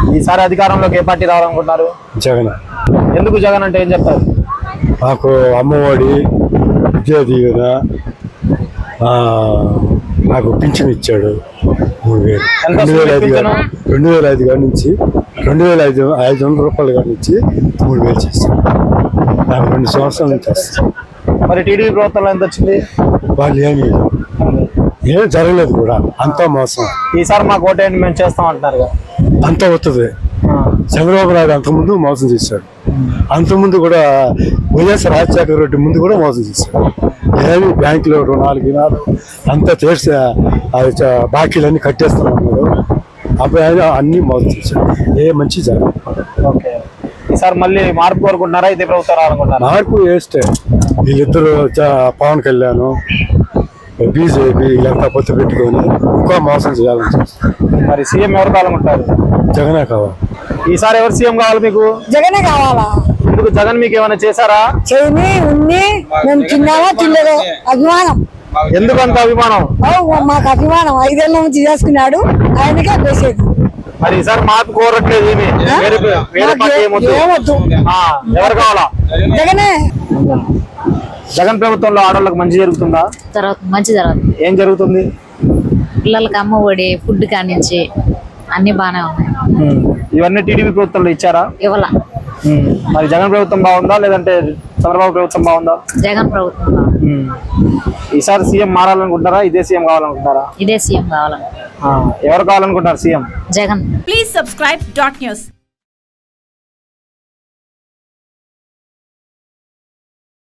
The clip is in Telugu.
ఈసారి అధికారంలోకి ఏ పార్టీ రావాలనుకుంటున్నారు? జగన్. ఎందుకు జగన్ అంటే ఏం చెప్తారు? మాకు అమ్మఒడి, విద్యా దీవెన, నాకు పింఛన్ ఇచ్చాడు 3000. ఎంత 2005 కాడి నుంచి 2500 రూపాయలు కాడి నుంచి 3000 చేస్తాను. నాకు 2 సంవత్సరాల నుంచి వస్తాను. మరి టీడీపీ ప్రభుత్వంలో ఎంత వచ్చింది? వాళ్ళు ఏం జరగలేదు కూడా, అంతా మోసం. ఈసారి మాకు ఓటేయండి మేము చేస్తాం అంటున్నారు కదా. అంతా వస్తుంది. చంద్రబాబు నాయుడు అంతకుముందు మోసం చేశాడు, అంతకుముందు కూడా వైఎస్ రాజశేఖర రెడ్డి ముందు కూడా మోసం చేశాడు. ఏమి బ్యాంకులో రుణాలు అంతా చేసి బాకీలన్నీ కట్టేస్తామన్నాడు. అప్పుడు ఆయన అన్ని మోసం చేశాడు, ఏ మంచి జరగదు. ఓకే, ఈసారి మళ్ళీ మార్పు కోరుకుంటున్నారా, ఇదే ప్రభుత్వం రావాలనుకుంటున్నారా? మార్పు వేస్తే వీళ్ళిద్దరు పవన్ కళ్యాణ్, బీజేపీ వీళ్ళంతా పొత్తు పెట్టుకొని ఇంకా మోసం చేయాలని చూస్తారు. మరి సీఎం ఎవరు కావాలనుకుంటారు? జగనే కావాలి. ఈసారి ఎవరు సీఎం కావాలి మీకు? జగనే కావాలా. ఎందుకు? జగన్ మీకు ఏమైనా చేశారా? చేయని ఉన్ని మేము తిన్నామా తినలేదు, అభిమానం. ఎందుకు అంత అభిమానం? మాకు అభిమానం 5 ఏళ్ళ నుంచి చేసుకున్నాడు, ఆయనకే వేసేది. మరి ఈసారి మార్పు కోరట్లేదు, ఎవరు కావాలా? జగనే. జగన్ ప్రభుత్వంలో ఆడవాళ్ళకి మంచి జరుగుతుందా? మంచి జరుగుతుంది. ఏం జరుగుతుంది? పిల్లలకి అమ్మ ఒడి, ఫుడ్ కానించి అన్ని బాగానే ఉన్నాయి. ఇవన్నీ టీడీపీ ప్రభుత్వంలో ఇచ్చారా? ఇవ్వాల. మరి జగన్ ప్రభుత్వం బాగుందా లేదంటే చంద్రబాబు ప్రభుత్వం బాగుందా? జగన్ ప్రభుత్వం. ఈసారి సీఎం మారాలనుకుంటారా, ఇదే సీఎం కావాలనుకుంటారా? ఇదే సీఎం కావాలనుకుంటున్నారు. ఎవరు కావాలనుకుంటారు CM? Jagan. Please subscribe .news.